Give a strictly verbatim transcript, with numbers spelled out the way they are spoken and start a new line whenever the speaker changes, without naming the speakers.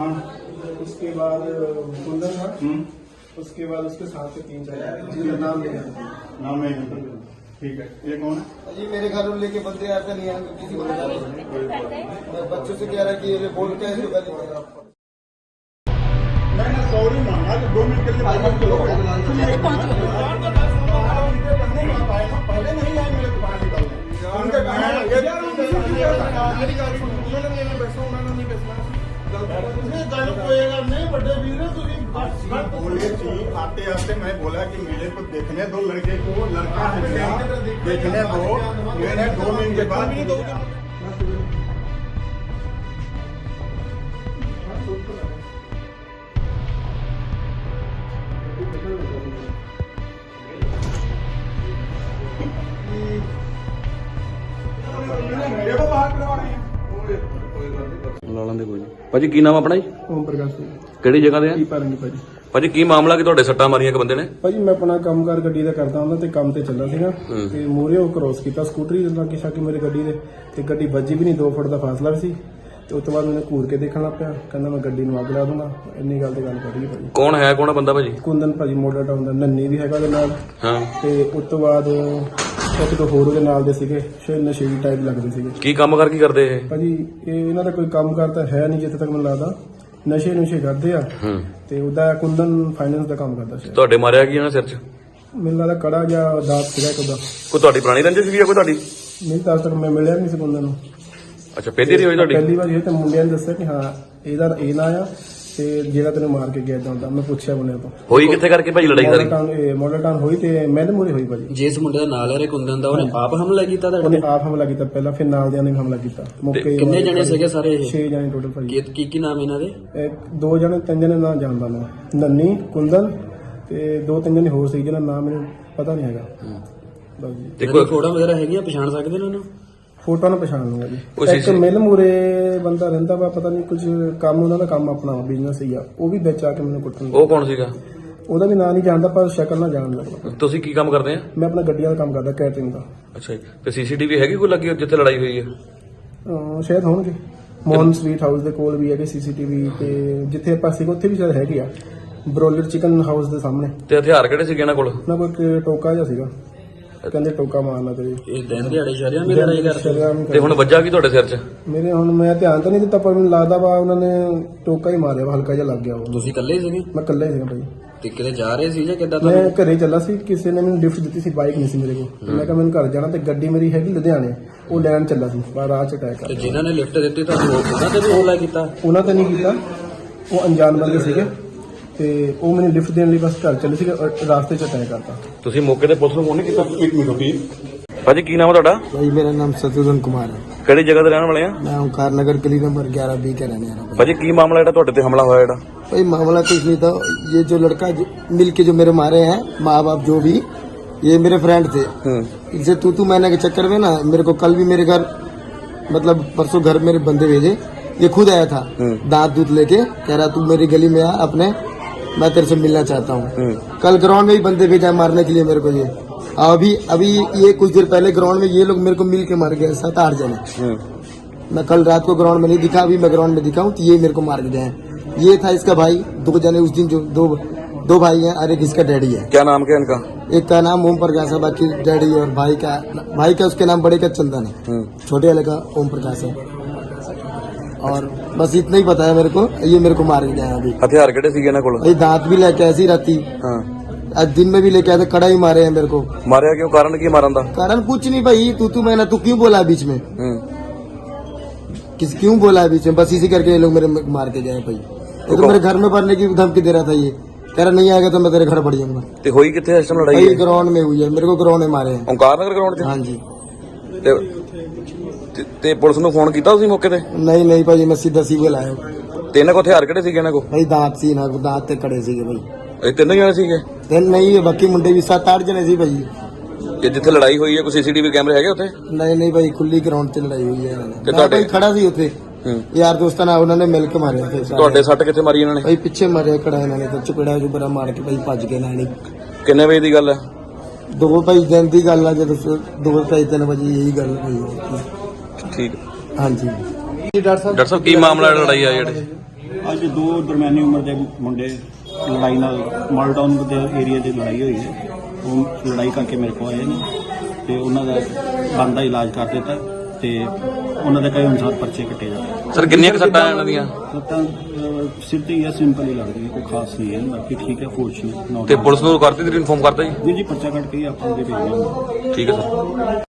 हाँ
उसके बाद कुंदन था,
हम्म,
उसके बाद उसके साथ से तीन चार जिनका नाम लेना था।
नाम नहीं है। ठीक है, ये कौन है?
जी मेरे घर में लेके बंदे ऐसा नहीं आएंगे किसी को बता रहे। मैं बच्चों से कह रहा कि ये बोल के ऐसे गाली दे रहा हूं।
मैंने सॉरी मांगा कि दो मिनट के लिए बाहर चलो। पहले नहीं आए मेरे दुकान की गाड़ी। उनके कहना ये मेरी गाड़ी को उन्होंने नहीं बैठा, उन्होंने नहीं बैठा। नहीं गल कोएगा नहीं बड़े वीर तुझे बोले थी आते आते मैं बोला कि मेरे को देखने दो लड़के को, लड़का है क्या देखने दो। मैंने दो मिनट के बाद भी दो मेरे को बाहर करवा रहे हैं।
ਲਾ ਲੈਂਦੇ ਕੋਈ ਨਹੀਂ। ਭਾਜੀ ਕੀ ਨਾਮ ਆਪਣਾ ਜੀ?
ओम प्रकाश सिंह
ਕਿਹੜੀ ਜਗ੍ਹਾ ਦੇ ਆ?
ਪਾਰੰਗੀ ਭਾਜੀ।
ਭਾਜੀ ਕੀ ਮਾਮਲਾ ਕਿ ਤੁਹਾਡੇ ਸੱਟਾਂ ਮਾਰੀਆਂ ਇੱਕ ਬੰਦੇ ਨੇ?
ਭਾਜੀ ਮੈਂ ਆਪਣਾ ਕੰਮਕਾਰ ਗੱਡੀ ਦਾ ਕਰਦਾ ਹੁੰਦਾ ਤੇ ਕੰਮ ਤੇ ਚੱਲਾ ਸੀਗਾ
ਹੂੰ।
ਤੇ ਮੂਹਰੇ ਉਹ ਕ੍ਰੋਸ ਕੀਤਾ ਸਕੂਟਰੀ ਦੇ ਲਾਗੇ ਛਾਕੇ ਮੇਰੀ ਗੱਡੀ ਦੇ ਤੇ ਗੱਡੀ ਵੱਜੀ ਵੀ ਨਹੀਂ, ਦੋ ਫੁੱਟ ਦਾ ਫਾਸਲਾ ਵੀ ਸੀ ਤੇ ਉਸ ਤੋਂ ਬਾਅਦ ਮੈਨੂੰ ਘੂਰ ਕੇ ਦੇਖਣ ਲੱਗ ਪਿਆ, ਕਹਿੰਦਾ ਮੈਂ ਗੱਡੀ ਨੂੰ ਅੱਗ ਲਾ ਦੂੰਗਾ। ਇੰਨੀ ਗੱਲ ਤੇ ਗੱਲ ਕਰੀ ਭਾਜੀ।
ਕੌਣ ਹੈ ਕੌਣ ਆ ਬੰਦਾ ਭਾਜੀ?
ਕੁੰਦਨ ਭਾਜੀ ਮੋਢਾ ਟਾਊਨ ਦਾ, ਨੰਨੀ ਵੀ ਹੈਗਾ ਉਹਦੇ ਨਾਲ
ਹਾਂ।
ਤੇ ਉਸ ਤੋਂ ਬਾਅਦ ਇੱਕ ਦੋ ਹੋਰ ਉਹਦੇ ਨਾਲ ਦੇ ਸੀਗੇ, ਸ਼ਾਇਦ ਨਸ਼ੇੜੀ ਟਾਈਪ ਲੱਗਦੇ ਸੀਗੇ
ਕੀ ਕੰਮ ਕਰ ਕੀ ਕਰਦੇ ਇਹ?
ਭਾਜੀ। ਇਹ ਇਹਨਾਂ ਦਾ ਕੋਈ ਕੰਮ ਕਰਤਾ ਹੈ ਨਹੀਂ ਜਿੱਥੇ ਤੱਕ ਮੈਨੂੰ ਲੱਗਦਾ, ਨਸ਼ੇ ਨੁਸ਼ੇ ਕਰਦੇ ਆ
ਹੂੰ।
ਤੇ ਉਹਦਾ ਕੁੰਦਨ ਫਾਈਨੈਂਸ ਦਾ ਕੰਮ ਕਰਦਾ ਸੀ।
ਤੁਹਾਡੇ ਮਾਰਿਆ ਕੀ ਇਹਨਾਂ ਸਿਰ 'ਚ?
ਮੈਨੂੰ ਲੱਗਦਾ ਕੜਾ ਜਾਂ ਦਾਤ ਸੀਗਾ ਇੱਕ ਉਹਦਾ।
ਕੋਈ ਤੁਹਾਡੀ ਪੁਰਾਣੀ ਰੰਜਿਸ਼ ਵੀ ਆ ਕੋਈ ਤੁਹਾਡੀ?
ਨਹੀਂ ਤਾਂ ਅੱਜ ਤੱਕ ਮੈਂ ਮਿਲਿਆ ਨਹੀਂ ਸੀ ਕੁੰਦਨ ਨੂੰ।
ਅੱਛਾ, ਪਹਿਲੀ ਵਾਰੀ ਹੋਈ ਤੁਹਾਡੀ?
ਪਹਿਲੀ ਵਾਰ ਇਹ ਤੇ ਮੁੰਡਿਆਂ ਨੇ ਦੱਸਿਆ ਕਿ ਹਾਂ ਇਹਦਾ ਇਹ ਨਾ ਆ ਤੇ ਜਿਹੜਾ ਤੈਨੂੰ ਮਾਰ ਕੇ ਗਿਆ ਏਦਾਂ ਹੁੰਦਾ। ਮੈਂ ਪੁੱਛਿਆ ਮੁੰਡਿਆਂ ਤੋਂ
ਹੋਈ ਕਿੱਥੇ ਕਰਕੇ ਭਾਜੀ ਲੜਾਈ ਸਾਰੀ?
ਮਾਡਲ ਟਾਊਨ ਹੋਈ ਤੇ ਮੈਨੇ ਮੂਹਰੇ ਹੋਈ ਭਾਜੀ।
ਜਿਸ ਮੁੰਡੇ ਦਾ ਨਾਲ ਹੈ ਕੁੰਦਨ ਦਾ, ਉਹਨੇ ਆਪ ਹਮਲਾ ਕੀਤਾ ਤੁਹਾਡੇ
ਉਹਨੇ
ਤੇ?
ਆਪ ਹਮਲਾ ਕੀਤਾ ਪਹਿਲਾਂ, ਫਿਰ ਨਾਲ ਦਿਆਂ ਨੇ ਵੀ ਹਮਲਾ ਕੀਤਾ ਮੌਕੇ।
ਕਿੰਨੇ ਜਣੇ ਸੀਗੇ ਸਾਰੇ ਇਹ?
ਛੇ ਜਣੇ ਟੋਟਲ ਭਾਜੀ।
ਕੀ ਕੀ ਕੀ ਨਾਮ ਇਹਨਾਂ ਦੇ?
ਇੱਕ ਦੋ ਜਣੇ ਤਿੰਨ ਜਣੇ ਨਾਂ ਜਾਣਦਾ ਮੈਂ, ਨੰਨੀ, ਕੁੰਦਨ ਤੇ ਦੋ ਤਿੰਨ ਜਣੇ ਹੋਰ ਸੀ ਜਿਹਨਾਂ ਨਾਮ ਮੈਨੂੰ ਪਤਾ ਨਹੀਂ ਹੈਗਾ ਬਸ ਜੀ।
ਤੇ
ਕੋਈ
ਕੋਈ
ਫੋਟੋ ਵਗੈਰਾ ਹੈਗੀਆਂ, ਪਛਾਣ ਸਕਦੇ ਨੇ ਉਹਨੂੰ?
ਫੋਟੋ ਨੂੰ ਪਛਾਣ ਲੂੰਗਾ
ਉਹ
ਜੀ। ਇੱਕ
ਸੀ-
ਮਿਲ ਮੂਰੇ ਬੰਦਾ ਰਹਿੰਦਾ ਵਾ, ਪਤਾ ਨਹੀਂ ਕੁਝ ਕੰਮ ਉਹਨਾਂ ਦਾ ਕੰਮ ਆਪਣਾ ਬਿਜ਼ਨਸ ਹੀ ਆ, ਉਹ ਵੀ ਵਿੱਚ ਆ ਕੇ ਮੈਨੂੰ ਕੁੱਟਣ।
ਉਹ ਕੌਣ ਸੀਗਾ?
ਉਹਦਾ ਵੀ ਨਾਂ ਨਹੀਂ ਜਾਣਦਾ ਪਰ ਸ਼ਕਲ ਨਾਲ ਜਾਣ ਲੱਗਦਾ।
ਤੁਸੀਂ ਕੀ ਕੰਮ ਕਰਦੇ ਆ?
ਮੈਂ ਆਪਣਾ ਗੱਡੀਆਂ ਦਾ ਕੰਮ ਕਰਦਾ, ਕੈਟਰਿੰਗ ਦਾ।
ਅੱਛਾ ਜੀ। ਤੇ ਸੀਸੀਟੀਵੀ ਹੈਗੀ ਕੋਈ ਲੱਗੀ ਜਿੱਥੇ ਲੜਾਈ ਹੋਈ ਹੈ?
ਅਹ ਸ਼ਾਇਦ ਹੋਣਗੇ, ਮੋਹਨ ਸਵੀਟ ਹਾਊਸ ਦੇ ਕੋਲ ਵੀ ਹੈਗੇ ਸੀਸੀਟੀਵੀ, ਤੇ ਜਿੱਥੇ ਆਪਾਂ ਸੀਗੇ ਉੱਥੇ ਵੀ ਸ਼ਾਇਦ ਹੈਗੇ ਆ, ਬਰੋਲਰ ਚਿਕਨ ਹਾਊਸ ਦੇ ਸਾਹਮਣੇ।
ਤੇ ਹਥਿਆਰ ਕਿਹੜੇ ਸੀਗੇ ਇਹਨਾਂ ਕੋਲ?
ਨਾ ਕੋਈ ਟੋਕਾ ਜਿਹਾ ਸੀਗਾ, ਕਹਿੰਦੇ ਟੋਕਾ ਮਾਰਨਾ ਤੇਰੇ।
ਇਹ ਦਿਨ ਦਿਹਾੜੇ ਸ਼ਰਿਆਂ ਵੀ ਲੜਾਈ ਕਰਦੇ?
ਸ਼ਰੇਆਮ
ਤੇ ਹੁਣ ਵੱਜਾ ਕੀ ਤੁਹਾਡੇ ਸਿਰ 'ਚ?
ਮੇਰੇ ਹੁਣ ਮੈਂ ਧਿਆਨ ਤਾਂ ਨਹੀਂ ਦਿੱਤਾ ਪਰ ਮੈਨੂੰ ਲੱਗਦਾ ਵਾ ਉਹਨਾਂ ਨੇ ਟੋਕਾ ਹੀ ਮਾਰਿਆ ਵਾ, ਹਲਕਾ ਜਿਹਾ ਲੱਗ ਗਿਆ ਉਹ।
ਤੁਸੀਂ ਇਕੱਲੇ ਹੀ ਸੀਗੇ
ਮੈਂ ਇਕੱਲਾ ਹੀ ਸੀਗਾ ਭਾਈ।
ਤੇ ਕਿਤੇ ਜਾ ਰਹੇ ਸੀ ਜਾਂ ਕਿੱਦਾਂ?
ਮੈਂ
ਤੁਹਾਨੂੰ
ਘਰੇ ਚੱਲਾ ਸੀ, ਕਿਸੇ ਨੇ ਮੈਨੂੰ ਲਿਫਟ ਦਿੱਤੀ ਸੀ, ਬਾਈਕ ਨਹੀਂ ਸੀ ਮੇਰੇ ਕੋਲ। ਮੈਂ ਕਿਹਾ ਮੈਨੂੰ ਘਰ ਜਾਣਾ ਤੇ ਗੱਡੀ ਮੇਰੀ ਹੈਗੀ ਲੁਧਿਆਣੇ, ਉਹ ਲੈਣ ਚੱਲਾ ਸੀ ਪਰ ਰਾਹ ਚ ਅਟੈਕ
ਤੇ
ਆ।
ਜਿਨ੍ਹਾਂ ਨੇ ਲਿਫਟ ਦਿੱਤੀ ਤੁਹਾਨੂੰ ਉਹਨਾਂ ਤੇ ਵੀ ਹਮਲਾ ਕੀਤਾ?
ਉਹਨਾਂ ਤੇ ਨਹੀਂ ਕੀਤਾ, ਉਹ ਅਣਜਾਣ ਬੰਦੇ ਸੀਗੇ ਤੇ ਉਹ ਮੈਨੂੰ ਲਿਫਟ ਦੇਣ ਲਈ ਬਸ ਘਰ ਚੱਲੇ ਸੀਗੇ ਔਰ ਰਾਸਤੇ ਚ ਅਟੈਕ ਕਰਤਾ।
ਤੁਸੀਂ ਮੌਕੇ ਤੇ ਪੁਲਿਸ ਨੂੰ ਫੋਨ ਨਹੀਂ ਕੀਤਾ? ਇੱਕ ਮਿੰਟ ਰੁਕੀ ਭਾਜੀ, ਕੀ ਨਾਮ ਹੈ ਤੁਹਾਡਾ?
भाई मेरा नाम शत्रुघ्न कुमार है।
ਕਿਹੜੀ ਜਗ੍ਹਾ ਤੇ ਰਹਿਣ ਵਾਲੇ ਆ?
मैं ओंकार नगर गली नंबर ग्यारह बी का रहने वाला हूं।
ਭਾਜੀ ਕੀ ਮਾਮਲਾ ਜਿਹੜਾ ਤੁਹਾਡੇ ਤੇ ਹਮਲਾ ਹੋਇਆ ਜਿਹੜਾ?
भाई मामला कुछ नहीं था, ये जो लड़का जो, मिल के जो मेरे मारे हैं माँ बाप जो भी, ये मेरे फ्रेंड थे।
ਹੂੰ।
इनसे तू तू मैंने के चक्कर में ना मेरे को कल भी मेरे घर मतलब परसों घर मेरे बंदे भेजे, ये खुद आया था दांत दूध लेके, कह रहा तू मेरी गली में आ अपने, मैं तेरे से मिलना चाहता हूँ। कल ग्राउंड में ही बंदे भेजा मारने के लिए मेरे को। ये अभी अभी ये कुछ देर पहले ग्राउंड में ये लोग मेरे को मिल के मार गए, सात आठ जने। मैं कल रात को ग्राउंड में नहीं दिखा, अभी मैं ग्राउंड में दिखा हूँ तो ये मेरे को मार के गए हैं। ये था इसका भाई, दो जने उस दिन जो दो दो भाई हैं और एक इसका डैडी है।
क्या नाम क्या इनका?
एक का नाम ओम प्रकाश है, बाकी डैडी और भाई का भाई का उसके नाम बड़े का चंदन है, छोटे वाले का ओम प्रकाश है। और बस इतना ही पता है मेरे को, ये मेरे को मार के गए हैं अभी।
ਹਥਿਆਰ ਕਿਹੜੇ ਸੀਗੇ ਇਹਨਾਂ ਕੋਲ?
भाई दांत भी लेके ऐसी राती,
ਹਾਂ।
आज दिन में भी लेके आए थे, कड़ा ही मारे हैं मेरे को।
ਮਾਰਿਆ ਕਿਉਂ? ਕਾਰਨ ਕੀ ਮਾਰਨ ਦਾ?
कारण कुछ नहीं भाई, तू तू मैंने तू क्यों बोला बीच में,
ਹੂੰ।
किस क्यों बोला बीच में, बस इसी करके ये लोग मेरे मार के गए भाई। ये तो मेरे घर में भरने की धमकी दे रहा था, ये कह रहा नहीं आएगा तो मैं तेरे घर बढ़ जाऊंगा।
ਤੇ ਹੋਈ ਕਿੱਥੇ ਇਸ ਟਾਈਮ ਲੜਾਈ?
भाई ग्राउंड में हुई है, मेरे को ग्राउंड में मारे हैं।
ਓਂਕਾਰ ਨਗਰ ਗਰਾਊਂਡ 'ਚ?
हाँ जी।
ਤੇ ਤੇ- ਤੇ ਪੁਲਿਸ ਨੂੰ ਫੋਨ ਕੀਤਾ ਤੁਸੀਂ ਮੌਕੇ ਤੇ?
नहीं नहीं भाई, मैं सीधा सिविल आया हूँ।
ਤੇ ਇਹਨਾਂ ਕੋਲ ਹਥਿਆਰ ਕਿਹੜੇ ਸੀਗੇ ਇਹਨਾਂ ਕੋਲ?
भाई दांत सी ना दांत ते कड़े सी भाई।
ਇਹ ਤਿੰਨੇ ਜਣੇ ਸੀਗੇ?
दिन नहीं है, बाकी मुंडे भी सात आठ जने सी भाई।
ਤੇ ਜਿੱਥੇ ਲੜਾਈ ਹੋਈ ਹੈ ਕੋਈ ਸੀਸੀਟੀਵੀ ਕੈਮਰੇ ਹੈਗੇ ਉੱਥੇ?
नहीं नहीं भाई, खुली ग्राउंड से लड़ाई हुई है।
ते
मैं
ਤੁਹਾਡੇ-
भाई खड़ा सी उथे,
ਹੂੰ।
यार दोस्तां नाल उन्होंने मिल के मारे थे सारे।
ਤੁਹਾਡੇ ਸੱਟ ਕਿੱਥੇ ਮਾਰੀ ਇਹਨਾਂ ਨੇ?
भाई पीछे मारे खड़ा इन्होंने तो चपेड़ा चुपेड़ा मार के भाई भज गए नाल ही।
ਕਿੰਨੇ ਵਜੇ ਦੀ ਗੱਲ ਹੈ?
दो भाई दिन की गल है, जो दो ढाई तीन बजे यही गल हुई।
ਠੀਕ।
हाँ जी।
ਡਾਕਟਰ ਸਾਹਿਬ ਕੀ ਮਾਮਲਾ ਲੜਾਈ ਆ ਜਿਹੜੇ?
ਅੱਜ ਦੋ ਦਰਮਿਆਨੀ ਉਮਰ ਦੇ ਮੁੰਡੇ ਲੜਾਈ ਨਾਲ ਮਾਲਟਾਊਨ ਦੇ ਏਰੀਆ 'ਚ ਲੜਾਈ ਹੋਈ ਹੈ। ਉਹ ਲੜਾਈ ਕਰਕੇ ਮੇਰੇ ਕੋਲ ਆਏ ਨੇ ਤੇ ਉਹਨਾਂ ਦਾ ਬਣਦਾ ਇਲਾਜ ਕਰ ਦਿੱਤਾ ਤੇ ਉਹਨਾਂ ਦੇ ਕਈ ਅਨੁਸਾਰ ਪਰਚੇ ਕੱਟੇ ਜਾਂਦੇ।
ਸਰ ਕਿੰਨੀਆਂ ਕੁ ਸੱਟਾਂ ਇਹਨਾਂ ਦੀਆਂ?
ਸੱਟਾਂ ਅਹ, ਸਿਰ ਤੇ ਹੀ ਆ, ਸਿੰਪਲ ਹੀ ਲੱਗਦੀ ਹੈ, ਕੋਈ ਖਾਸ ਨਹੀਂ ਹੈ, ਬਾਕੀ ਠੀਕ ਹੈ, ਫੋਰਚੂਨੇਟ।
ਤੇ ਪੁਲਿਸ ਨੂੰ ਕਰਤੀ ਤੁਸੀਂ ਇਨਫੋਰਮ ਕਰਤਾ ਜੀ?
ਜੀ ਜੀ ਪਰਚਾ ਕੱਟ ਕੇ ਹੀ ਆਪਾਂ ਅੱਗੇ ਭੇਜਣਾ।
ਠੀਕ ਹੈ ਸਰ।